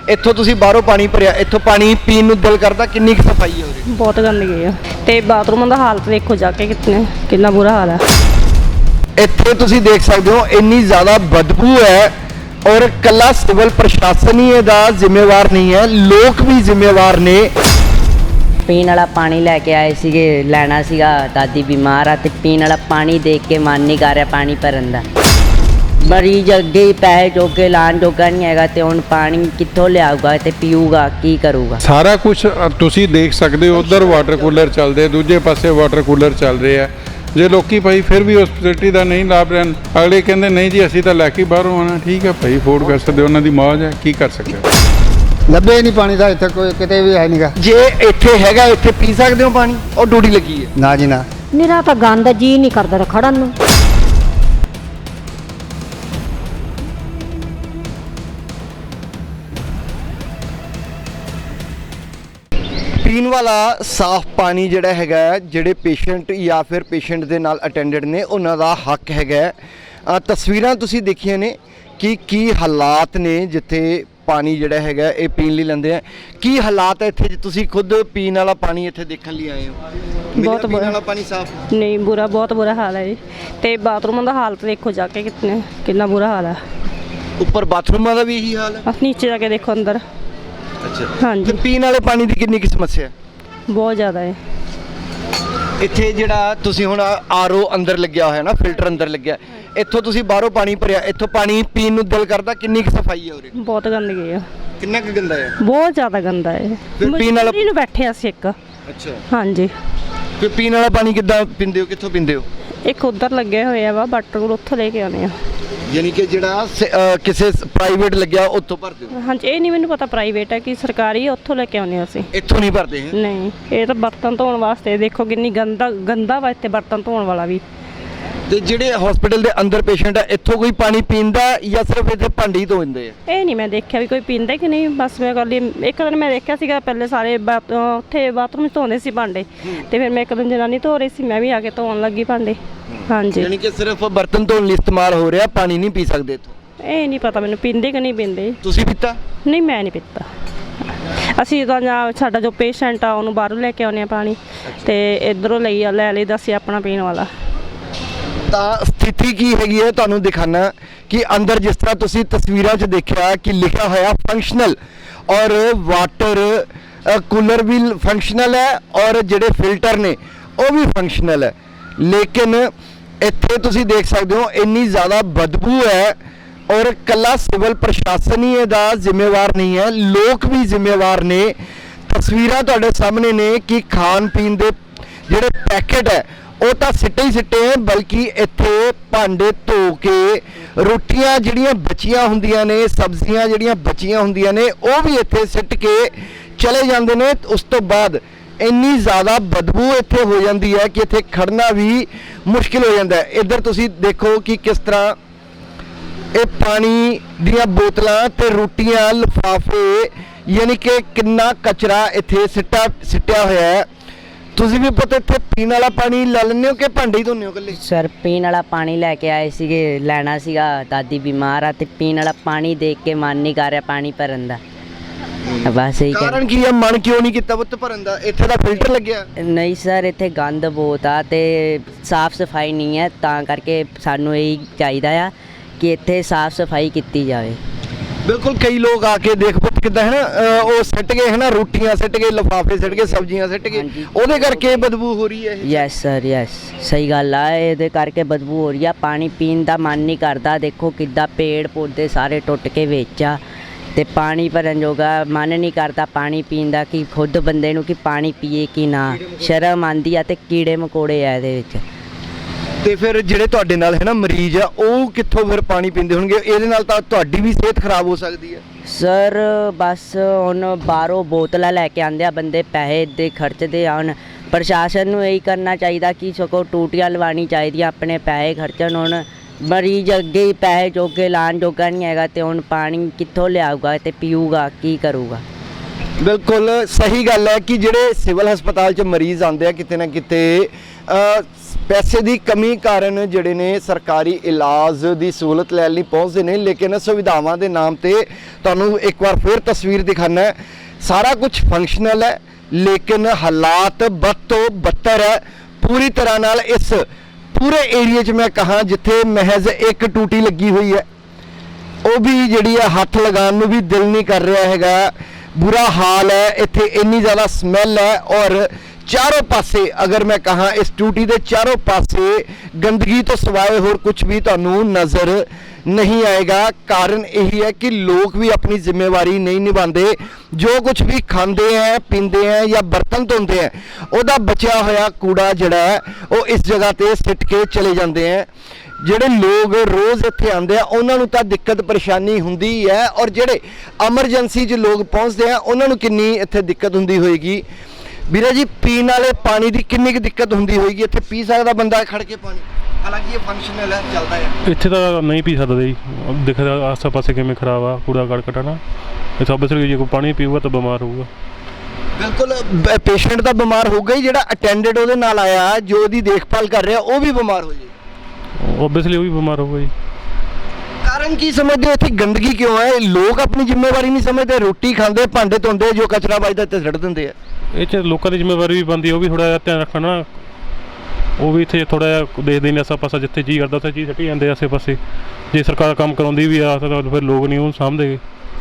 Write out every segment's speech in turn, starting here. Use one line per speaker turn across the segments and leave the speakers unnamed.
ਇੱਥੋਂ ਤੁਸੀਂ ਬਾਹਰੋਂ ਪਾਣੀ ਭਰਿਆ, ਇੱਥੋਂ ਪਾਣੀ ਪੀਣ ਨੂੰ ਦਿਲ ਕਰਦਾ? ਕਿੰਨੀ ਕੁ ਸਫਾਈ ਹੈ ਉਰੇ?
ਬਹੁਤ ਗੰਦਗੀ ਆ ਤੇ ਬਾਥਰੂਮਾਂ ਦਾ ਹਾਲਤ ਦੇਖੋ ਜਾ ਕੇ ਕਿੰਨਾ ਬੁਰਾ ਹਾਲ ਹੈ।
ਇੱਥੇ ਤੁਸੀਂ ਦੇਖ ਸਕਦੇ ਹੋ ਇੰਨੀ ਜ਼ਿਆਦਾ ਬਦਬੂ ਹੈ ਔਰ ਕੱਲਾ ਸਿਵਲ ਪ੍ਰਸ਼ਾਸਨ ਹੀ ਇਹਦਾ ਜ਼ਿੰਮੇਵਾਰ ਨਹੀਂ ਹੈ, ਲੋਕ ਵੀ ਜ਼ਿੰਮੇਵਾਰ ਨੇ।
ਪੀਣ ਵਾਲਾ ਪਾਣੀ ਲੈ ਕੇ ਆਏ ਸੀਗੇ, ਲੈਣਾ ਸੀਗਾ, ਦਾਦੀ ਬਿਮਾਰ ਆ ਤੇ ਪੀਣ ਵਾਲਾ ਪਾਣੀ ਦੇਖ ਕੇ ਮਨ ਨਹੀਂ ਕਰ ਰਿਹਾ ਪਾਣੀ ਭਰਨ ਦਾ। ਮਰੀਜ਼ ਅੱਗੇ ਹੀ ਪੈਸੇ ਜੋਗੇ ਲਾਣ ਜੋਗਾ ਨਹੀਂ ਹੈਗਾ ਤੇ ਹੁਣ ਪਾਣੀ ਕਿੱਥੋਂ ਲਿਆਊਗਾ ਤੇ ਪੀਊਗਾ, ਕੀ ਕਰੂਗਾ?
ਸਾਰਾ ਕੁਝ ਤੁਸੀਂ ਦੇਖ ਸਕਦੇ ਹੋ। ਉਧਰ ਵਾਟਰ ਕੂਲਰ ਚੱਲਦੇ, ਦੂਜੇ ਪਾਸੇ ਵਾਟਰ ਕੂਲਰ ਚੱਲ ਰਹੇ ਆ। ਜੇ ਲੋਕੀ ਭਾਈ ਫਿਰ ਵੀ ਉਸ ਫੈਸਿਲਿਟੀ ਦਾ ਨਹੀਂ ਲਾਭ ਲੈਣ, ਅਗਲੇ ਕਹਿੰਦੇ ਨਹੀਂ ਜੀ ਅਸੀਂ ਤਾਂ ਲੈ ਕੇ ਬਾਹਰੋਂ ਆਉਣਾ। ਠੀਕ ਹੈ ਭਾਈ, ਅਫੋਰਡ ਕਰ ਸਕਦੇ, ਉਹਨਾਂ ਦੀ ਮੌਜ ਹੈ, ਕੀ ਕਰ ਸਕਦੇ।
ਲੱਭੇ ਨਹੀਂ ਪਾਣੀ ਦਾ ਇੱਥੇ ਕੋਈ ਕਿਤੇ ਵੀ ਹੈ ਨਹੀਂਗਾ।
ਜੇ ਇੱਥੇ ਹੈਗਾ, ਇੱਥੇ ਪੀ ਸਕਦੇ ਹੋ ਪਾਣੀ? ਉਹ ਡਿਊਟੀ ਲੱਗੀ ਹੈ?
ਨਾ ਜੀ ਨਾ।
ਨਿਰਾ ਤਾਂ ਗੰਦ ਜੀ ਨਹੀਂ ਕਰਦਾ ਖੜਨ ਨੂੰ।
ਪੀਣ ਵਾਲਾ ਸਾਫ਼ ਪਾਣੀ ਜਿਹੜਾ ਹੈਗਾ, ਜਿਹੜੇ ਪੇਸ਼ੈਂਟ ਜਾਂ ਫਿਰ ਪੇਸ਼ੈਂਟ ਦੇ ਨਾਲ ਅਟੈਂਡੈਂਟ ਨੇ ਉਹਨਾਂ ਦਾ ਹੱਕ ਹੈਗਾ। ਤਸਵੀਰਾਂ ਤੁਸੀਂ ਦੇਖੀਆਂ ਨੇ ਕਿ ਕੀ ਹਾਲਾਤ ਨੇ ਜਿੱਥੇ ਪਾਣੀ ਜਿਹੜਾ ਹੈਗਾ ਇਹ ਪੀਣ ਲਈ ਲੈਂਦੇ ਆ। ਕੀ ਹਾਲਾਤ ਹੈ ਇੱਥੇ? ਜੇ ਤੁਸੀਂ ਖੁਦ ਪੀਣ ਵਾਲਾ ਪਾਣੀ ਇੱਥੇ ਦੇਖਣ ਲਈ ਆਏ ਹੋ,
ਬਹੁਤ
ਪੀਣ ਵਾਲਾ ਪਾਣੀ ਸਾਫ਼
ਨਹੀਂ, ਬੁਰਾ, ਬਹੁਤ ਬੁਰਾ ਹਾਲ ਹੈ ਜੀ। ਤੇ ਬਾਥਰੂਮਾਂ ਦਾ ਹਾਲਤ ਦੇਖੋ ਜਾ ਕੇ ਕਿੰਨਾ ਬੁਰਾ ਹਾਲ ਹੈ।
ਉੱਪਰ ਬਾਥਰੂਮਾਂ ਦਾ ਵੀ ਇਹੀ ਹਾਲ ਹੈ?
ਨੀਚੇ ਜਾ ਕੇ ਦੇਖੋ ਅੰਦਰ।
ਅੱਛਾ,
ਹਾਂਜੀ,
ਤੇ ਪੀਣ ਵਾਲੇ ਪਾਣੀ ਦੀ ਕਿੰਨੀ ਕੁ ਸਮੱਸਿਆ?
ਬਹੁਤ ਜ਼ਿਆਦਾ ਹੈ।
ਇੱਥੇ ਜਿਹੜਾ ਤੁਸੀਂ ਹੁਣ ਆਰਓ ਅੰਦਰ ਲੱਗਿਆ ਹੋਇਆ ਨਾ, ਫਿਲਟਰ ਅੰਦਰ ਲੱਗਿਆ, ਇੱਥੋਂ ਤੁਸੀਂ ਬਾਹਰੋਂ ਪਾਣੀ ਭਰਿਆ, ਇੱਥੋਂ ਪਾਣੀ ਪੀਣ ਨੂੰ ਦਿਲ ਕਰਦਾ? ਕਿੰਨੀ ਕੁ ਸਫਾਈ ਹੈ ਉਰੇ?
ਬਹੁਤ ਗੰਦਗੀ ਆ,
ਕਿੰਨਾ ਕੁ ਗੰਦਾ ਹੈ?
ਬਹੁਤ ਜ਼ਿਆਦਾ ਗੰਦਾ ਹੈ।
ਫਿਰ ਪੀਣ ਵਾਲਾ
ਨੂੰ ਬੈਠੇ ਅਸੀਂ ਇੱਕ।
ਅੱਛਾ,
ਹਾਂਜੀ।
ਫਿਰ ਪੀਣ ਵਾਲਾ ਪਾਣੀ ਕਿੱਦਾਂ ਪੀਂਦੇ ਹੋ? ਕਿੱਥੋਂ ਪੀਂਦੇ ਹੋ?
ਇੱਕ ਉੱਧਰ ਲੱਗੇ ਹੋਏ ਆ ਵਾ ਵਾਟਰ ਕੂਲਰ, ਉੱਥੋਂ ਲੈ ਕੇ ਆਉਂਦੇ ਆ।
ਯਾਨੀ ਕਿ ਜਿਹੜਾ ਕਿਸੇ ਪ੍ਰਾਈਵੇਟ ਲੱਗਿਆ ਉੱਥੋਂ ਭਰਦੇ ਹੋ?
ਹਾਂਜੀ, ਇਹ ਨਹੀਂ ਮੈਨੂੰ ਪਤਾ ਪ੍ਰਾਈਵੇਟ ਹੈ ਕਿ ਸਰਕਾਰੀ ਹੈ, ਉੱਥੋਂ ਲੈ ਕੇ ਆਉਂਦੇ ਅਸੀਂ।
ਇੱਥੋਂ ਨਹੀਂ ਭਰਦੇ ਹੈ?
ਨਹੀਂ, ਇਹ ਤਾਂ ਬਰਤਨ ਧੋਣ ਵਾਸਤੇ। ਦੇਖੋ ਕਿੰਨੀ ਗੰਦਾ ਵਾ ਇੱਥੇ ਬਰਤਨ ਧੋਣ ਵਾਲਾ ਵੀ।
ਤੇ ਜਿਹੜੇ ਹਸਪੀਟਲ ਦੇ ਅੰਦਰ ਪੇਸ਼ੈਂਟ ਆ, ਇੱਥੋਂ ਕੋਈ ਪਾਣੀ ਪੀਂਦਾ ਜਾਂ ਸਿਰਫ ਇੱਥੇ ਭਾਂਡੇ ਹੀ ਧੋਂਦੇ ਆ?
ਇਹ ਨਹੀਂ ਮੈਂ ਦੇਖਿਆ ਵੀ ਕੋਈ ਪੀਂਦਾ ਕਿ ਨਹੀਂ। ਬਸ ਮੈਂ ਕਰ ਲਈ, ਇੱਕ ਦਿਨ ਮੈਂ ਦੇਖਿਆ ਸੀਗਾ ਪਹਿਲੇ ਸਾਰੇ ਉੱਥੇ ਬਾਥਰੂਮ 'ਚ ਧੋਂਦੇ ਸੀ ਭਾਂਡੇ, ਤੇ ਫਿਰ ਮੈਂ ਇੱਕ ਦਿਨ ਜਨਾਨੀ ਧੋ ਰਹੀ ਸੀ, ਮੈਂ ਵੀ ਆ ਕੇ ਧੋਣ ਲੱਗੀ ਭਾਂਡੇ। ਹਾਂਜੀ,
ਯਾਨੀ ਕਿ ਸਿਰਫ ਬਰਤਨ ਧੋਣ ਲਈ ਇਸਤੇਮਾਲ ਹੋ ਰਿਹਾ, ਪਾਣੀ ਨਹੀਂ ਪੀ ਸਕਦੇ ਇੱਥੋਂ?
ਇਹ ਨਹੀਂ ਪਤਾ ਮੈਨੂੰ ਪੀਂਦੇ ਕਿ ਨਹੀਂ ਪੀਂਦੇ।
ਤੁਸੀਂ ਪੀਤਾ?
ਨਹੀਂ, ਮੈਂ ਨਹੀਂ ਪੀਤਾ। ਅਸੀਂ ਤਾਂ ਜਾਂ ਸਾਡਾ ਜੋ ਪੇਸ਼ੈਂਟ ਆ ਉਹਨੂੰ ਬਾਹਰੋਂ ਲੈ ਕੇ ਆਉਂਦੇ ਆ ਪਾਣੀ, ਤੇ ਇੱਧਰੋਂ ਲੈ ਲਈਦਾ ਸੀ ਆਪਣਾ ਪੀਣ ਵਾਲਾ।
ਤਾਂ ਸਥਿਤੀ ਕੀ ਹੈਗੀ ਹੈ ਤੁਹਾਨੂੰ ਦਿਖਾਣਾ ਕਿ ਅੰਦਰ ਜਿਸ ਤਰ੍ਹਾਂ ਤੁਸੀਂ ਤਸਵੀਰਾਂ 'ਚ ਦੇਖਿਆ ਕਿ ਲਿਖਿਆ ਹੋਇਆ ਫੰਕਸ਼ਨਲ, ਔਰ ਵਾਟਰ ਕੂਲਰ ਵੀ ਫੰਕਸ਼ਨਲ ਹੈ ਔਰ ਜਿਹੜੇ ਫਿਲਟਰ ਨੇ ਉਹ ਵੀ ਫੰਕਸ਼ਨਲ ਹੈ। ਲੇਕਿਨ ਇੱਥੇ ਤੁਸੀਂ ਦੇਖ ਸਕਦੇ ਹੋ ਇੰਨੀ ਜ਼ਿਆਦਾ ਬਦਬੂ ਹੈ ਔਰ ਕੱਲਾ ਸਿਵਲ ਪ੍ਰਸ਼ਾਸਨ ਹੀ ਇਹਦਾ ਜ਼ਿੰਮੇਵਾਰ ਨਹੀਂ ਹੈ, ਲੋਕ ਵੀ ਜ਼ਿੰਮੇਵਾਰ ਨੇ। ਤਸਵੀਰਾਂ ਤੁਹਾਡੇ ਸਾਹਮਣੇ ਨੇ ਕਿ ਖਾਣ ਪੀਣ ਦੇ ਜਿਹੜੇ ਪੈਕੇਟ ਹੈ ਉਹ ਤਾਂ ਸਿੱਟੇ ਹੀ ਸਿੱਟੇ ਹੈ, ਬਲਕਿ ਇੱਥੇ ਭਾਂਡੇ ਧੋ ਕੇ ਰੋਟੀਆਂ ਜਿਹੜੀਆਂ ਬਚੀਆਂ ਹੁੰਦੀਆਂ ਨੇ, ਸਬਜ਼ੀਆਂ ਜਿਹੜੀਆਂ ਬਚੀਆਂ ਹੁੰਦੀਆਂ ਨੇ, ਉਹ ਵੀ ਇੱਥੇ ਸਿੱਟ ਕੇ ਚਲੇ ਜਾਂਦੇ ਨੇ। ਉਸ ਤੋਂ ਬਾਅਦ ਇੰਨੀ ਜ਼ਿਆਦਾ ਬਦਬੂ ਇੱਥੇ ਹੋ ਜਾਂਦੀ ਹੈ ਕਿ ਇੱਥੇ ਖੜਨਾ ਵੀ ਮੁਸ਼ਕਿਲ ਹੋ ਜਾਂਦਾ ਹੈ। ਇੱਧਰ ਤੁਸੀਂ ਦੇਖੋ ਕਿ ਕਿਸ ਤਰ੍ਹਾਂ ਇਹ ਪਾਣੀ ਦੀਆਂ ਬੋਤਲਾਂ ਤੇ ਰੋਟੀਆਂ, ਲਿਫਾਫੇ, ਯਾਨੀ ਕਿ ਕਿੰਨਾ ਕਚਰਾ ਇੱਥੇ ਸਿੱਟਿਆ ਹੋਇਆ ਹੈ। ਤੁਸੀਂ ਵੀ ਪਤਾ ਇੱਥੇ ਪੀਣ ਵਾਲਾ ਪਾਣੀ ਲੈ ਲੈਂਦੇ ਹੋ ਕਿ ਭਾਂਡੇ ਹੀ ਧੋਂਦੇ ਹੋ ਇਕੱਲੇ?
ਸਰ, ਪੀਣ ਵਾਲਾ ਪਾਣੀ ਲੈ ਕੇ ਆਏ ਸੀਗੇ, ਲੈਣਾ ਸੀਗਾ, ਦਾਦੀ ਬਿਮਾਰ ਆ ਤੇ ਪੀਣ ਵਾਲਾ ਪਾਣੀ ਦੇਖ ਕੇ ਮਨ ਨਹੀਂ ਕਰ ਰਿਹਾ ਪਾਣੀ ਭਰਨ ਦਾ। ਬਸ ਇਹੀ
ਕਾਰਨ ਕੀ ਹੈ? ਮਨ ਕਿਉਂ ਨਹੀਂ ਕੀਤਾ ਪੁੱਤ ਭਰਨ ਦਾ? ਇੱਥੇ ਦਾ ਫਿਲਟਰ ਲੱਗਿਆ?
ਨਹੀਂ ਸਰ, ਇੱਥੇ ਗੰਦ ਬਹੁਤ ਆ ਤੇ ਸਾਫ਼ ਸਫਾਈ ਨਹੀਂ ਹੈ, ਤਾਂ ਕਰਕੇ ਸਾਨੂੰ ਇਹੀ ਚਾਹੀਦਾ ਆ ਕਿ ਇੱਥੇ ਸਾਫ਼ ਸਫਾਈ ਕੀਤੀ ਜਾਵੇ।
ਬਿਲਕੁਲ, ਕਈ ਲੋਕ ਆ ਕੇ ਦੇਖ ਪੁੱਤ ਕਿੱਦਾਂ ਹੈ ਨਾ, ਉਹ ਸਿੱਟ ਗਏ ਹੈ ਨਾ, ਰੋਟੀਆਂ ਸਿੱਟ ਗਏ, ਲਿਫਾਫੇ ਸਿੱਟ ਗਏ, ਸਬਜ਼ੀਆਂ ਸਿੱਟ ਗਏ, ਉਹਦੇ ਕਰਕੇ ਬਦਬੂ ਹੋ ਰਹੀ ਹੈ ਇਹ।
ਯੈਸ ਸਰ, ਯੈਸ, ਸਹੀ ਗੱਲ ਆ, ਇਹਦੇ ਕਰਕੇ ਬਦਬੂ ਹੋ ਰਹੀ ਆ। ਪਾਣੀ ਪੀਣ ਦਾ ਮਨ ਨਹੀਂ ਕਰਦਾ। ਦੇਖੋ ਕਿੱਦਾਂ ਪੇੜ ਪੌਦੇ ਸਾਰੇ ਟੁੱਟ ਕੇ ਵਿੱਚ ਆ ਤੇ ਪਾਣੀ ਭਰਨ ਜੋਗਾ ਮਨ ਨਹੀਂ ਕਰਦਾ ਪਾਣੀ ਪੀਣ ਦਾ, ਕਿ ਖੁਦ ਬੰਦੇ ਨੂੰ ਕਿ ਪਾਣੀ ਪੀਏ ਕਿ ਨਾ, ਸ਼ਰਮ ਆਉਂਦੀ ਆ ਤੇ ਕੀੜੇ ਮਕੌੜੇ ਆ ਇਹਦੇ ਵਿੱਚ।
ਤੇ ਫਿਰ ਜਿਹੜੇ ਤੁਹਾਡੇ ਨਾਲ ਹੈ ਨਾ ਮਰੀਜ਼ ਆ, ਉਹ ਕਿੱਥੋਂ ਫਿਰ ਪਾਣੀ ਪੀਂਦੇ ਹੋਣਗੇ? ਇਹਦੇ ਨਾਲ ਤਾਂ ਤੁਹਾਡੀ ਵੀ ਸਿਹਤ ਖਰਾਬ ਹੋ ਸਕਦੀ ਹੈ।
ਸਰ ਬਸ ਹੁਣ ਬਾਹਰੋਂ ਬੋਤਲਾਂ ਲੈ ਕੇ ਆਉਂਦੇ ਆ ਬੰਦੇ, ਪੈਸੇ ਦੇ ਖਰਚਦੇ ਆ। ਹੁਣ ਪ੍ਰਸ਼ਾਸਨ ਨੂੰ ਇਹੀ ਕਰਨਾ ਚਾਹੀਦਾ ਕਿ ਸਗੋਂ ਟੂਟੀਆਂ ਲਵਾਉਣੀ ਚਾਹੀਦੀਆਂ, ਆਪਣੇ ਪੈਸੇ ਖਰਚਣ। ਹੁਣ ਮਰੀਜ਼ ਅੱਗੇ ਹੀ ਪੈਸੇ ਜੋਗੇ ਲਾਣ ਜੋਗਾ ਨਹੀਂ ਹੈਗਾ ਤੇ ਹੁਣ ਪਾਣੀ ਕਿੱਥੋਂ ਲਿਆਊਗਾ ਤੇ ਪੀਊਗਾ, ਕੀ ਕਰੂਗਾ?
ਬਿਲਕੁਲ ਸਹੀ ਗੱਲ ਹੈ ਕਿ ਜਿਹੜੇ ਸਿਵਲ ਹਸਪਤਾਲ 'ਚ ਮਰੀਜ਼ ਆਉਂਦੇ ਆ, ਕਿਤੇ ਨਾ ਕਿਤੇ ਪੈਸੇ ਦੀ ਕਮੀ ਕਾਰਨ ਜਿਹੜੇ ਨੇ ਸਰਕਾਰੀ ਇਲਾਜ ਦੀ ਸਹੂਲਤ ਲੈਣ ਲਈ ਪਹੁੰਚਦੇ ਨੇ, ਲੇਕਿਨ ਸੁਵਿਧਾਵਾਂ ਦੇ ਨਾਮ ਤੇ ਤੁਹਾਨੂੰ ਇੱਕ ਵਾਰ ਫਿਰ ਤਸਵੀਰ ਦਿਖਾਣਾ ਹੈ। ਸਾਰਾ ਕੁਝ ਫੰਕਸ਼ਨਲ ਹੈ ਲੇਕਿਨ ਹਾਲਾਤ ਬਦ ਤੋਂ ਬੱਤਰ ਹੈ ਪੂਰੀ ਤਰ੍ਹਾਂ ਨਾਲ। ਇਸ ਪੂਰੇ ਏਰੀਏ 'ਚ ਮੈਂ ਕਹਾਂ ਜਿੱਥੇ ਮਹਿਜ਼ ਇੱਕ ਟੂਟੀ ਲੱਗੀ ਹੋਈ ਹੈ, ਉਹ ਵੀ ਜਿਹੜੀ ਹੈ ਹੱਥ ਲਗਾਉਣ ਨੂੰ ਵੀ ਦਿਲ ਨਹੀਂ ਕਰ ਰਿਹਾ ਹੈਗਾ। ਬੁਰਾ ਹਾਲ ਹੈ ਇੱਥੇ, ਇੰਨੀ ਜ਼ਿਆਦਾ ਸਮੈਲ ਹੈ ਔਰ ਚਾਰੋਂ ਪਾਸੇ ਅਗਰ ਮੈਂ ਕਹਾਂ ਇਸ ਟੂਟੀ ਦੇ ਚਾਰੋਂ ਪਾਸੇ ਗੰਦਗੀ ਤੋਂ ਸਿਵਾਏ ਹੋਰ ਕੁਝ ਵੀ ਤੁਹਾਨੂੰ ਨਜ਼ਰ ਨਹੀਂ ਆਏਗਾ। ਕਾਰਨ ਇਹੀ ਹੈ ਕਿ ਲੋਕ ਵੀ ਆਪਣੀ ਜ਼ਿੰਮੇਵਾਰੀ ਨਹੀਂ ਨਿਭਾਉਂਦੇ। ਜੋ ਕੁਝ ਵੀ ਖਾਂਦੇ ਹੈ ਪੀਂਦੇ ਹੈ ਜਾਂ ਬਰਤਨ ਧੋਂਦੇ ਹੈ ਉਹਦਾ ਬਚਿਆ ਹੋਇਆ ਕੂੜਾ ਜਿਹੜਾ ਹੈ ਉਹ ਇਸ ਜਗ੍ਹਾ ਤੇ ਸਿੱਟ ਕੇ ਚਲੇ ਜਾਂਦੇ ਹੈ। ਜਿਹੜੇ ਲੋਕ ਰੋਜ਼ ਇੱਥੇ ਆਉਂਦੇ ਆ ਉਹਨਾਂ ਨੂੰ ਤਾਂ ਦਿੱਕਤ ਪਰੇਸ਼ਾਨੀ ਹੁੰਦੀ ਹੈ ਔਰ ਜਿਹੜੇ ਐਮਰਜੈਂਸੀ 'ਚ ਲੋਕ ਪਹੁੰਚਦੇ ਆ ਉਹਨਾਂ ਨੂੰ ਕਿੰਨੀ ਇੱਥੇ ਦਿੱਕਤ ਹੁੰਦੀ ਹੋਏਗੀ। ਵੀਰੇ ਜੀ, ਪੀਣ ਵਾਲੇ ਪਾਣੀ ਦੀ ਕਿੰਨੀ ਕੁ ਦਿੱਕਤ ਹੁੰਦੀ ਹੋਏਗੀ? ਇੱਥੇ ਪੀ ਸਕਦਾ ਬੰਦਾ ਖੜ ਕੇ ਪਾਣੀ? ਹਾਲਾਂਕਿ ਇਹ ਫੰਕਸ਼ਨਲ ਹੈ, ਚੱਲਦਾ ਹੈ।
ਇੱਥੇ ਤਾਂ ਨਹੀਂ ਪੀ ਸਕਦੇ ਜੀ, ਦੇਖਦਾ ਆਸੇ ਪਾਸੇ ਕਿਵੇਂ ਖਰਾਬ ਆ ਕੂੜਾ ਕਰਕਟ ਨਾ। ਇਹ ਸਭ ਬਸ ਜੇ ਕੋਈ ਪਾਣੀ ਪੀਊਗਾ ਤਾਂ ਬਿਮਾਰ ਹੋਊਗਾ।
ਬਿਲਕੁਲ, ਪੇਸ਼ੈਂਟ ਤਾਂ ਬਿਮਾਰ ਹੋਊਗਾ ਹੀ, ਜਿਹੜਾ ਅਟੈਂਡੈਂਟ ਉਹਦੇ ਨਾਲ ਆਇਆ ਜੋ ਉਹਦੀ ਦੇਖਭਾਲ ਕਰ ਰਿਹਾ ਉਹ ਵੀ ਬਿਮਾਰ ਹੋ ਜਾਏ।
ਓਬਵੀਅਸਲੀ ਉਹ ਵੀ ਬਿਮਾਰ ਹੋਊਗਾ ਜੀ।
ਕਾਰਨ ਕੀ ਸਮਝਦੇ ਹੋ? ਇੱਥੇ ਗੰਦਗੀ ਕਿਉਂ ਹੈ? ਲੋਕ ਆਪਣੀ ਜ਼ਿੰਮੇਵਾਰੀ ਨਹੀਂ ਸਮਝਦੇ, ਰੋਟੀ ਖਾਂਦੇ ਭਾਂਡੇ ਧੋਂਦੇ, ਜੋ ਕਚਰਾ ਵੱਜਦਾ ਇੱਥੇ ਸੁੱਟ ਦਿੰਦੇ ਆ।
ਇਹ 'ਚ ਲੋਕਾਂ ਦੀ ਜ਼ਿੰਮੇਵਾਰੀ ਵੀ ਬਣਦੀ, ਉਹ ਵੀ ਥੋੜ੍ਹਾ ਜਿਹਾ ਧਿਆਨ ਰੱਖਣਾ। ਉਹ ਵੀ ਇੱਥੇ ਥੋੜ੍ਹਾ ਜਿਹਾ ਦੇਖਦੇ ਨੇ ਆਸਾ ਪਾਸਾ, ਜਿੱਥੇ ਜੀਅ ਕਰਦਾ ਉੱਥੇ ਚੀਜ਼ ਸੱਟੀ ਜਾਂਦੇ ਆਸੇ ਪਾਸੇ। ਜੇ ਸਰਕਾਰ ਕੰਮ ਕਰਾਉਂਦੀ ਵੀ ਆ ਤਾਂ ਫਿਰ ਲੋਕ ਨਹੀਂ ਉਹ ਸਾਂਭਦੇ।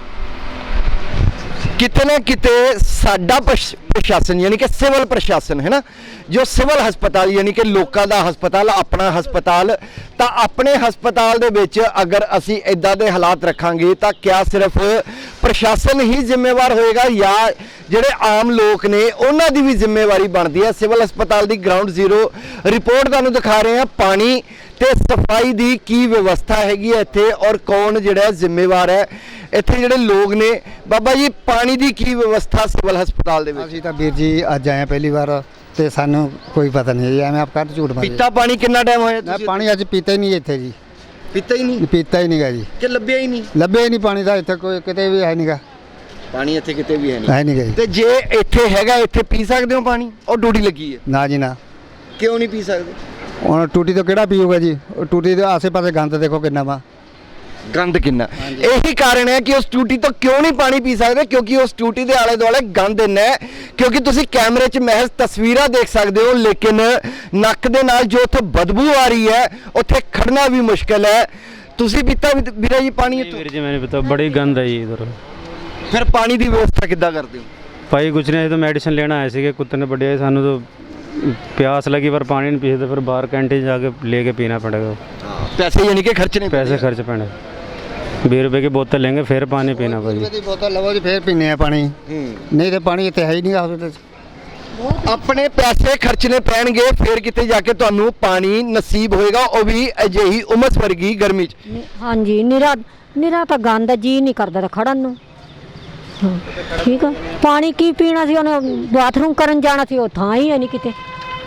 ਕਿਤੇ ਨਾ ਕਿਤੇ ਸਾਡਾ ਪ੍ਰਸ਼ਾਸਨ ਯਾਨੀ ਕਿ ਸਿਵਲ ਪ੍ਰਸ਼ਾਸਨ ਹੈ ਨਾ, ਜੋ ਸਿਵਲ ਹਸਪਤਾਲ ਯਾਨੀ ਕਿ ਲੋਕਾਂ ਦਾ ਹਸਪਤਾਲ, ਆਪਣਾ ਹਸਪਤਾਲ, ਤਾਂ ਆਪਣੇ ਹਸਪਤਾਲ ਦੇ ਵਿੱਚ ਅਗਰ ਅਸੀਂ ਇਦਾਂ ਦੇ ਹਾਲਾਤ ਰੱਖਾਂਗੇ ਤਾਂ ਕਿਆ ਸਿਰਫ ਪ੍ਰਸ਼ਾਸਨ ਹੀ ਜ਼ਿੰਮੇਵਾਰ ਹੋਏਗਾ ਜਾਂ ਜਿਹੜੇ ਆਮ ਲੋਕ ਨੇ ਉਹਨਾਂ ਦੀ ਵੀ ਜ਼ਿੰਮੇਵਾਰੀ ਬਣਦੀ ਹੈ? ਸਿਵਲ ਹਸਪਤਾਲ ਦੀ ਗਰਾਊਂਡ ਜ਼ੀਰੋ ਰਿਪੋਰਟ ਤੁਹਾਨੂੰ ਦਿਖਾ ਰਹੇ ਹਾਂ। ਪਾਣੀ ਤੇ ਸਫਾਈ ਦੀ ਕੀ ਵਿਵਸਥਾ ਹੈਗੀ ਹੈ ਇੱਥੇ ਔਰ ਕੌਣ ਜਿਹੜਾ ਜ਼ਿੰਮੇਵਾਰ ਹੈ? ਇੱਥੇ ਜਿਹੜੇ ਲੋਕ ਨੇ, ਬਾਬਾ ਜੀ ਪਾਣੀ ਦੀ ਕੀ ਵਿਵਸਥਾ ਸਿਵਲ ਹਸਪਤਾਲ ਦੇ ਵਿੱਚ?
ਅਸੀਂ ਤਾਂ ਵੀਰ ਜੀ ਅੱਜ ਆਏ ਹਾਂ ਪਹਿਲੀ ਵਾਰ ਤੇ ਸਾਨੂੰ ਕੋਈ ਪਤਾ ਨਹੀਂ ਹੈ, ਐਵੇਂ ਆਪ ਕੱਢ ਝੂਠ ਮਾਰੇ।
ਪੀਤਾ ਪਾਣੀ ਕਿੰਨਾ ਟਾਈਮ ਹੋਇਆ
ਮੈਂ
ਤੁਸੀਂ?
ਪਾਣੀ ਅੱਜ ਪੀਤਾ ਹੀ ਨਹੀਂ ਇੱਥੇ ਜੀ,
ਪੀਤਾ ਹੀ ਨਹੀਂ?
ਪੀਤਾ ਹੀ ਨਹੀਂਗਾ ਜੀ,
ਕਿ ਲੱਭਿਆ ਹੀ ਨਹੀਂ?
ਲੱਭਿਆ ਹੀ ਨਹੀਂ ਪਾਣੀ ਦਾ ਇੱਥੇ, ਕੋਈ ਕਿਤੇ ਵੀ ਹੈ ਨਹੀਂਗਾ,
ਪਾਣੀ ਇੱਥੇ ਕਿਤੇ ਵੀ ਹੈ
ਹੈ ਨਹੀਂਗਾ ਜੀ।
ਤੇ ਜੇ ਇੱਥੇ ਹੈਗਾ, ਇੱਥੇ ਪੀ ਸਕਦੇ ਹੋ ਪਾਣੀ? ਉਹ ਡਿਊਟੀ ਲੱਗੀ ਹੈ।
ਨਾ ਜੀ ਨਾ,
ਕਿਉਂ ਨਹੀਂ ਪੀ ਸਕਦੇ?
ਹੁਣ ਟੂਟੀ ਤੋਂ ਕਿਹੜਾ ਪੀਊਗਾ ਜੀ? ਉਹ ਟੂਟੀ ਦੇ ਆਸੇ ਪਾਸੇ ਗੰਦ ਦੇਖੋ ਕਿੰਨਾ ਵਾ,
ਗੰਦ ਕਿੰਨਾ। ਇਹੀ ਕਾਰਨ ਹੈ ਕਿ ਉਸ ਟੂਟੀ ਤੋਂ ਕਿਉਂ ਨਹੀਂ ਪਾਣੀ ਪੀ ਸਕਦੇ, ਕਿਉਂਕਿ ਉਸ ਟੂਟੀ ਦੇ ਆਲੇ ਦੁਆਲੇ ਗੰਦ ਇੰਨਾ ਹੈ। ਕਿਉਂਕਿ ਤੁਸੀਂ ਕੈਮਰੇ 'ਚ ਮਹਿਜ਼ ਤਸਵੀਰਾਂ ਦੇਖ ਸਕਦੇ ਹੋ ਲੇਕਿਨ ਨੱਕ ਦੇ ਨਾਲ ਜੋ ਉੱਥੇ ਬਦਬੂ ਆ ਰਹੀ ਹੈ ਉੱਥੇ ਖੜਨਾ ਵੀ ਮੁਸ਼ਕਿਲ ਹੈ। ਤੁਸੀਂ ਪੀਤਾ ਵੀਰਾ ਜੀ ਪਾਣੀ ਇੱਥੋਂ?
ਵੀਰ ਜੀ मैंने पता बड़ी गंद है जी इधर।
ਫਿਰ ਪਾਣੀ ਦੀ ਵਿਵਸਥਾ ਕਿੱਦਾਂ ਕਰਦੇ ਹੋ?
भाई कुछ नहीं, तो मेडिसिन लेना आए थे, कुत्ते ने बढ़िया सानू तो प्यास लगी पर पानी नहीं पीते, फिर बाहर कैंटीन जाके लेके पीना पड़ेगा।
ਪੈਸੇ ਯਾਨੀ ਕਿ ਖਰਚਣੇ
पैसे खर्च पैने, 20 रुपए की बोतल लेंगे फिर पानी पीना भाई।
ਦੀ ਬੋਤਲ ਲਵੋ ਜੀ ਫੇਰ ਪੀਨੇ ਆ ਪਾਣੀ, ਨਹੀਂ ਤੇ ਪਾਣੀ ਇੱਥੇ ਹੈ ਹੀ ਨਹੀਂਗਾ ਹਸਪਤਾਲ 'ਚ।
ਆਪਣੇ ਪੈਸੇ ਖਰਚਣੇ ਪੈਣਗੇ ਫਿਰ ਕਿਤੇ ਜਾ ਕੇ ਤੁਹਾਨੂੰ ਪਾਣੀ ਨਸੀਬ ਹੋਏਗਾ, ਉਹ ਵੀ ਅਜਿਹੀ ਉਮਸ ਵਰਗੀ ਗਰਮੀ 'ਚ।
ਹਾਂਜੀ, ਨਿਰਾ ਤਾਂ ਗੰਦ ਜੀ ਨਹੀਂ ਕਰਦਾ ਖੜਨ ਨੂੰ। ਹਾਂ, ਠੀਕ ਆ। ਪਾਣੀ ਕੀ ਪੀਣਾ ਸੀ? ਉਹਨੇ ਬਾਥਰੂਮ ਕਰਨ ਜਾਣਾ ਸੀ, ਉਹ ਥਾਂ ਹੀ ਹੈ ਨਹੀਂ ਕਿਤੇ।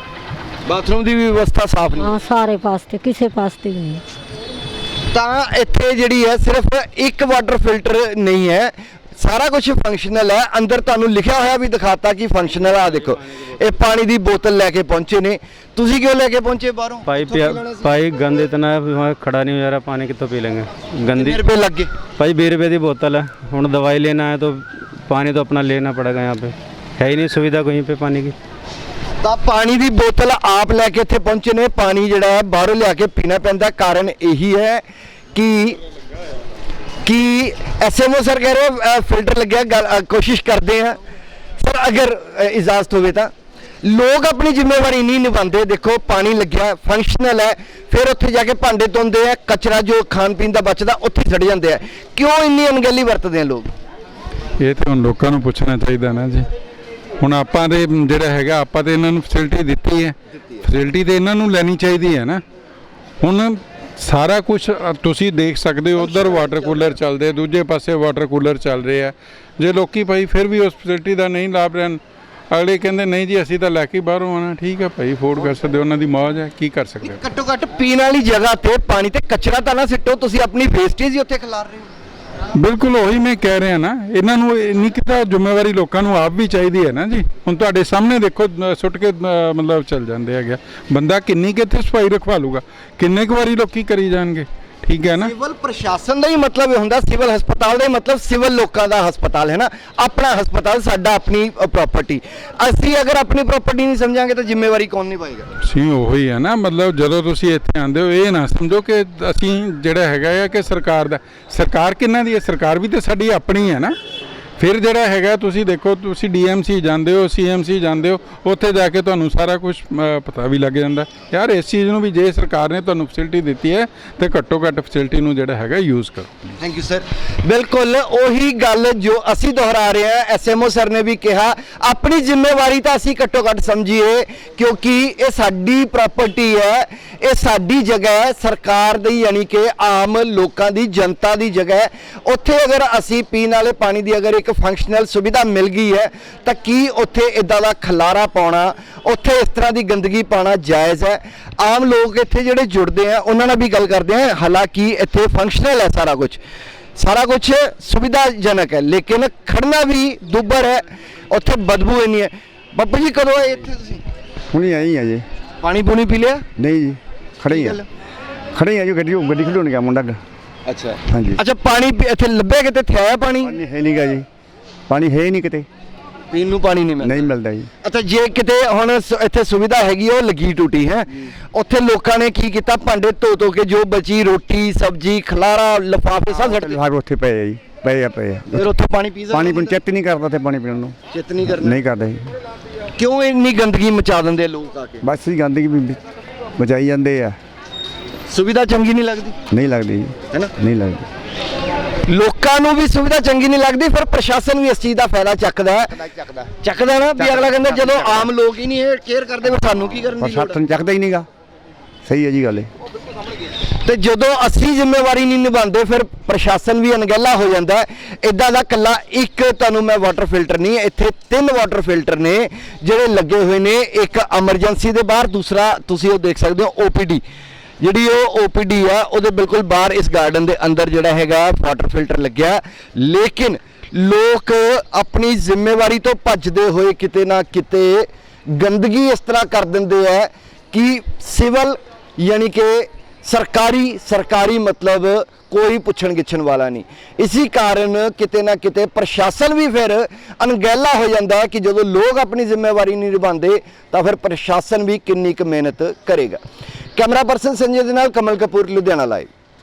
ਬਾਥਰੂਮ ਦੀ ਵੀ ਵਿਵਸਥਾ ਸਾਫ਼ ਨਹੀਂ।
ਹਾਂ, ਸਾਰੇ ਪਾਸੇ ਕਿਸੇ ਪਾਸੇ ਵੀ ਨਹੀਂ।
ਤਾਂ ਇੱਥੇ ਜਿਹੜੀ ਹੈ ਸਿਰਫ ਇੱਕ ਵਾਟਰ ਫਿਲਟਰ ਨਹੀਂ ਹੈ, ਸਾਰਾ ਕੁਝ ਫੰਕਸ਼ਨਲ ਹੈ। ਅੰਦਰ ਤੁਹਾਨੂੰ ਲਿਖਿਆ ਹੋਇਆ ਵੀ ਦਿਖਾਤਾ ਕਿ ਫੰਕਸ਼ਨਲ ਆ। ਦੇਖੋ ਇਹ ਪਾਣੀ ਦੀ ਬੋਤਲ ਲੈ ਕੇ ਪਹੁੰਚੇ ਨੇ। ਤੁਸੀਂ ਕਿਉਂ ਲੈ ਕੇ ਪਹੁੰਚੇ ਬਾਹਰੋਂ?
भाई गंद इतना है, वहाँ खड़ा नहीं हो जा रहा, पानी कितों पी लेंगे गंदी।
कितने रुपए लग गए?
भाई 20 रुपए की बोतल है, हूँ दवाई लेना है तो पानी तो अपना लेना पड़ेगा। यहाँ पे है ही नहीं सुविधा कहीं पे पानी की।
ਤਾਂ ਪਾਣੀ ਦੀ ਬੋਤਲ ਆਪ ਲੈ ਕੇ ਇੱਥੇ ਪਹੁੰਚੇ ਨੇ। ਪਾਣੀ ਜਿਹੜਾ ਹੈ ਬਾਹਰੋਂ ਲਿਆ ਕੇ ਪੀਣਾ ਪੈਂਦਾ। ਕਾਰਨ ਇਹੀ ਹੈ कि एसएमओ सर कह रहे फिल्टर लग गया, कोशिश करते हैं सर अगर इजाज़त होवे तो। लोग अपनी जिम्मेवारी नहीं निभाते। देखो पानी लग्या फंक्शनल है, फिर उत्थे जाके भांडे धोंदे हैं, कचरा जो खान पीन का बचदा उत्थे सड़ जाते हैं। क्यों इन्नी अनगहली वरतते हैं लोग?
ਇਹ ਤਾਂ ਹੁਣ ਲੋਕਾਂ ਨੂੰ ਪੁੱਛਣਾ ਚਾਹੀਦਾ ਨਾ ਜੀ। ਹੁਣ ਆਪਾਂ ਦੇ ਜਿਹੜਾ ਹੈਗਾ ਆਪਾਂ ਤੇ ਇਹਨਾਂ ਨੂੰ ਫੈਸਿਲਿਟੀ ਦਿੱਤੀ ਹੈ, ਫੈਸਿਲਿਟੀ ਤੇ ਇਹਨਾਂ ਨੂੰ ਲੈਣੀ ਚਾਹੀਦੀ ਹੈ ਨਾ। ਹੁਣ ਸਾਰਾ ਕੁਝ ਤੁਸੀਂ ਦੇਖ ਸਕਦੇ ਹੋ, ਉਧਰ ਵਾਟਰ ਕੂਲਰ ਚੱਲਦੇ, ਦੂਜੇ ਪਾਸੇ ਵਾਟਰ ਕੂਲਰ ਚੱਲ ਰਹੇ ਆ। ਜੇ ਲੋਕੀ ਭਾਈ ਫਿਰ ਵੀ ਉਸ ਫੈਸਿਲਿਟੀ ਦਾ ਨਹੀਂ ਲਾਭ ਲੈਣ, ਅਗਲੇ ਕਹਿੰਦੇ ਨਹੀਂ ਜੀ ਅਸੀਂ ਤਾਂ ਲੈ ਕੇ ਬਾਹਰੋਂ ਆਉਣਾ। ਠੀਕ ਹੈ ਭਾਈ, ਅਫੋਰਡ ਕਰ ਸਕਦੇ ਹੋ, ਉਹਨਾਂ ਦੀ ਮੌਜ ਹੈ, ਕੀ ਕਰ ਸਕਦੇ ਹੋ।
ਘੱਟੋ ਘੱਟ ਪੀਣ ਵਾਲੀ ਜਗ੍ਹਾ ਤੇ ਪਾਣੀ ਤੇ ਕਚਰਾ ਤਾਂ ਨਾ ਸਿੱਟੋ, ਤੁਸੀਂ ਆਪਣੀ ਵੇਸਟੇਜ ਹੀ ਉੱਥੇ ਖਿਲਾਰ ਰਹੇ ਹੋ।
ਬਿਲਕੁਲ ਉਹੀ ਮੈਂ ਕਹਿ ਰਿਹਾ ਨਾ, ਇਹਨਾਂ ਨੂੰ ਇੰਨੀ ਕੁ ਤਾਂ ਜ਼ਿੰਮੇਵਾਰੀ ਲੋਕਾਂ ਨੂੰ ਆਪ ਵੀ ਚਾਹੀਦੀ ਹੈ ਨਾ ਜੀ। ਹੁਣ ਤੁਹਾਡੇ ਸਾਹਮਣੇ ਦੇਖੋ ਸੁੱਟ ਕੇ ਮਤਲਬ ਚੱਲ ਜਾਂਦੇ ਹੈਗੇ, ਬੰਦਾ ਕਿੰਨੀ ਕੁ ਇੱਥੇ ਸਫਾਈ ਰਖਵਾ ਲੂਗਾ, ਕਿੰਨੇ ਕੁ ਵਾਰੀ ਲੋਕੀ ਕਰੀ ਜਾਣਗੇ, ਠੀਕ ਹੈ ਨਾ।
ਸਿਵਲ ਪ੍ਰਸ਼ਾਸਨ ਦਾ ਹੀ ਮਤਲਬ ਇਹ ਹੁੰਦਾ, ਸਿਵਲ ਹਸਪਤਾਲ ਦਾ ਹੀ ਮਤਲਬ ਸਿਵਲ ਲੋਕਾਂ ਦਾ ਹਸਪਤਾਲ ਹੈ ਨਾ, ਆਪਣਾ ਹਸਪਤਾਲ, ਸਾਡਾ ਆਪਣੀ ਪ੍ਰਾਪਰਟੀ। ਅਸੀਂ ਅਗਰ ਆਪਣੀ ਪ੍ਰਾਪਰਟੀ ਨਹੀਂ ਸਮਝਾਂਗੇ ਤਾਂ ਜ਼ਿੰਮੇਵਾਰੀ ਕੌਣ ਨਿਭਾਏਗਾ?
ਸੀ ਉਹੀ ਹੈ ਨਾ, ਮਤਲਬ ਜਦੋਂ ਤੁਸੀਂ ਇੱਥੇ ਆਉਂਦੇ ਹੋ ਇਹ ਨਾ ਸਮਝੋ ਕਿ ਅਸੀਂ ਜਿਹੜਾ ਹੈਗਾ ਆ ਕਿ ਸਰਕਾਰ ਦਾ, ਸਰਕਾਰ ਕਿਹਨਾਂ ਦੀ ਹੈ? ਸਰਕਾਰ ਵੀ ਤਾਂ ਸਾਡੀ ਆਪਣੀ ਹੈ ਨਾ। ਫਿਰ ਜਿਹੜਾ ਹੈਗਾ ਤੁਸੀਂ ਦੇਖੋ, ਤੁਸੀਂ ਡੀਐਮਸੀ ਜਾਂਦੇ ਹੋ, ਸੀਐਮਸੀ ਜਾਂਦੇ ਹੋ, ਉੱਥੇ ਜਾ ਕੇ ਤੁਹਾਨੂੰ ਸਾਰਾ ਕੁਝ ਪਤਾ ਵੀ ਲੱਗ ਜਾਂਦਾ ਯਾਰ। ਇਸ ਚੀਜ਼ ਨੂੰ ਵੀ ਜੇ ਸਰਕਾਰ ਨੇ ਤੁਹਾਨੂੰ ਫੈਸਿਲਿਟੀ ਦਿੱਤੀ ਹੈ ਤੇ ਘੱਟੋ ਘੱਟ ਫੈਸਿਲਿਟੀ ਨੂੰ ਜਿਹੜਾ ਹੈਗਾ ਯੂਜ਼ ਕਰੋ।
Thank you sir. ਬਿਲਕੁਲ ਉਹੀ ਗੱਲ ਜੋ ਅਸੀਂ ਦੁਹਰਾ ਰਹੇ ਹਾਂ, ਐਸਐਮਓ ਸਰ ਨੇ ਵੀ ਕਿਹਾ ਆਪਣੀ ਜ਼ਿੰਮੇਵਾਰੀ ਤਾਂ ਅਸੀਂ ਘੱਟੋ ਘੱਟ ਸਮਝੀਏ, ਕਿਉਂਕਿ ਇਹ ਸਾਡੀ ਪ੍ਰਾਪਰਟੀ ਹੈ, ਇਹ ਸਾਡੀ ਜਗ੍ਹਾ ਹੈ, ਸਰਕਾਰ ਦੀ ਯਾਨੀ ਕਿ ਆਮ ਲੋਕਾਂ ਦੀ, ਜਨਤਾ ਦੀ ਜਗ੍ਹਾ ਹੈ। ਉੱਥੇ ਅਗਰ ਅਸੀਂ ਪੀਣ ਵਾਲੇ ਪਾਣੀ ਦੀ ਅਗਰ ਇੱਕ ਫੰਕਸ਼ਨਲ ਸੁਵਿਧਾ ਮਿਲ ਗਈ ਹੈ ਤਾਂ ਕੀ ਉੱਥੇ ਇਦਾਂ ਦਾ ਖਲਾਰਾ ਪਾਉਣਾ, ਉੱਥੇ ਇਸ ਤਰ੍ਹਾਂ ਦੀ ਗੰਦਗੀ ਪਾਉਣਾ ਜਾਇਜ਼ ਹੈ? ਆਮ ਲੋਕ ਇੱਥੇ ਜਿਹੜੇ ਜੁੜਦੇ ਆ ਉਹਨਾਂ ਨਾਲ ਵੀ ਗੱਲ ਕਰਦੇ ਆ, ਹਾਲਾਂਕਿ ਇੱਥੇ ਫੰਕਸ਼ਨਲ ਹੈ ਸਾਰਾ ਕੁਝ ਸੁਵਿਧਾਜਨਕ ਹੈ, ਲੇਕਿਨ ਖੜਨਾ ਵੀ ਦੁੱਬਰ ਹੈ, ਉੱਥੇ ਬਦਬੂ ਇੰਨੀ ਹੈ। ਬੱਬੂ ਜੀ ਕਦੋਂ ਆਏ ਇੱਥੇ ਤੁਸੀਂ?
ਹੁਣੀ ਆਈ ਆ ਜੀ।
ਪਾਣੀ ਪੂਣੀ ਪੀ ਲਿਆ?
ਨਹੀਂ ਜੀ, ਖੜੇ ਹੀ ਆ ਜੀ। ਗੱਡੀ ਖਡਾਉਣ ਗਿਆ ਮੁੰਡਾ।
ਅੱਛਾ
ਹਾਂਜੀ।
ਅੱਛਾ, ਪਾਣੀ ਇੱਥੇ ਲੱਭਿਆ ਕਿਤੇ ਥਿਆ ਪਾਣੀ?
ਪਾਣੀ ਹੈ ਨਹੀਂਗਾ ਜੀ, ਪਾਣੀ ਹੈ ਹੀ ਨਹੀਂ ਕਿਤੇ,
ਪੀਣ ਨੂੰ ਪਾਣੀ ਨਹੀਂ
ਮਿਲਦਾ ਜੀ।
ਅੱਛਾ, ਜੇ ਕਿਤੇ ਹੁਣ ਇੱਥੇ ਸੁਵਿਧਾ ਹੈਗੀ ਉਹ ਲੱਗੀ ਟੂਟੀ ਹੈ, ਉੱਥੇ ਲੋਕਾਂ ਨੇ ਕੀ ਕੀਤਾ, ਭਾਂਡੇ ਧੋ ਕੇ ਜੋ ਬਚੀ ਰੋਟੀ ਸਬਜ਼ੀ ਖਲਾਰਾ ਲਿਫਾਫੇ ਸਭ ਛੱਡ
ਲਿਫਾਫੇ ਉੱਥੇ ਪਏ ਆ ਜੀ, ਪਏ ਆ।
ਫਿਰ ਉੱਥੇ ਪਾਣੀ ਪੀ
ਪਾਣੀ ਚਿੱਤ ਨਹੀਂ ਕਰਦਾ ਤੇ ਪਾਣੀ ਪੀਣ ਨੂੰ
ਚਿੱਤ ਨਹੀਂ ਕਰਨਾ,
ਨਹੀਂ ਕਰਦਾ ਜੀ।
ਕਿਉਂ ਇੰਨੀ ਗੰਦਗੀ ਮਚਾ ਦਿੰਦੇ ਲੋਕ ਆ ਕੇ?
ਬਸ ਹੀ ਗੰਦਗੀ ਵੀ ਬਚਾਈ ਜਾਂਦੇ ਆ।
ਸੁਵਿਧਾ ਚੰਗੀ ਨਹੀਂ ਲੱਗਦੀ?
ਨਹੀਂ ਲੱਗਦੀ ਜੀ,
ਹੈ ਨਾ,
ਨਹੀਂ ਲੱਗਦੀ।
ਲੋਕਾਂ ਨੂੰ ਵੀ ਸੁਵਿਧਾ ਚੰਗੀ ਨਹੀਂ ਲੱਗਦੀ, ਫਿਰ ਪ੍ਰਸ਼ਾਸਨ ਵੀ ਇਸ ਚੀਜ਼ ਦਾ ਫਾਇਦਾ ਚੱਕਦਾ ਨਾ ਵੀ ਅਗਲਾ ਕਹਿੰਦਾ ਜਦੋਂ ਆਮ ਲੋਕ ਹੀ ਨਹੀਂ ਇਹ ਕੇਅਰ ਕਰਦੇ ਫਿਰ ਸਾਨੂੰ ਕੀ ਕਰਨ ਦੀ ਲੋੜ
ਪ੍ਰਸ਼ਾਸਨ ਚੱਕਦਾ ਹੀ ਨਹੀਂਗਾ। ਸਹੀ ਹੈ ਜੀ ਗੱਲ।
ਤੇ ਜਦੋਂ ਅਸੀਂ ਜ਼ਿੰਮੇਵਾਰੀ ਨਹੀਂ ਨਿਭਾਉਂਦੇ ਫਿਰ ਪ੍ਰਸ਼ਾਸਨ ਵੀ ਅਣਗਹਿਲਾ ਹੋ ਜਾਂਦਾ। ਇਦਾਂ ਦਾ ਕੱਲਾ ਇੱਕ ਤੁਹਾਨੂੰ ਮੈਂ ਵਾਟਰ ਫਿਲਟਰ ਨਹੀਂ, ਇੱਥੇ 3 ਵਾਟਰ ਫਿਲਟਰ ਨੇ ਜਿਹੜੇ ਲੱਗੇ ਹੋਏ ਨੇ, ਇੱਕ ਐਮਰਜੈਂਸੀ ਦੇ ਬਾਹਰ, ਦੂਸਰਾ ਤੁਸੀਂ ਉਹ ਦੇਖ ਸਕਦੇ ਹੋ OPD, ਜਿਹੜੀ ਉਹ OPD ਆ ਉਹਦੇ ਬਿਲਕੁਲ ਬਾਹਰ ਇਸ ਗਾਰਡਨ ਦੇ ਅੰਦਰ ਜਿਹੜਾ ਹੈਗਾ ਵਾਟਰ ਫਿਲਟਰ ਲੱਗਿਆ। ਲੇਕਿਨ ਲੋਕ ਆਪਣੀ ਜ਼ਿੰਮੇਵਾਰੀ ਤੋਂ ਭੱਜਦੇ ਹੋਏ ਕਿਤੇ ਨਾ ਕਿਤੇ ਗੰਦਗੀ ਇਸ ਤਰ੍ਹਾਂ ਕਰ ਦਿੰਦੇ ਆ ਕਿ ਸਿਵਲ ਯਾਨੀ ਕਿ ਸਰਕਾਰੀ ਮਤਲਬ ਕੋਈ ਪੁੱਛਣ ਗਿੱਛਣ ਵਾਲਾ ਨਹੀਂ। ਇਸੇ ਕਾਰਨ ਕਿਤੇ ਨਾ ਕਿਤੇ ਪ੍ਰਸ਼ਾਸਨ ਵੀ ਫਿਰ ਅਣਗਹਿਲਾ ਹੋ ਜਾਂਦਾ ਹੈ ਕਿ ਜਦੋਂ ਲੋਕ ਆਪਣੀ ਜ਼ਿੰਮੇਵਾਰੀ ਨਹੀਂ ਨਿਭਾਉਂਦੇ ਤਾਂ ਫਿਰ ਪ੍ਰਸ਼ਾਸਨ ਵੀ ਕਿੰਨੀ ਕੁ ਮਿਹਨਤ ਕਰੇਗਾ। ਕੈਮਰਾ ਪਰਸਨ ਸੰਜੇ ਦੇ ਨਾਲ ਕਮਲ ਕਪੂਰ, ਲੁਧਿਆਣਾ ਲਾਈਵ।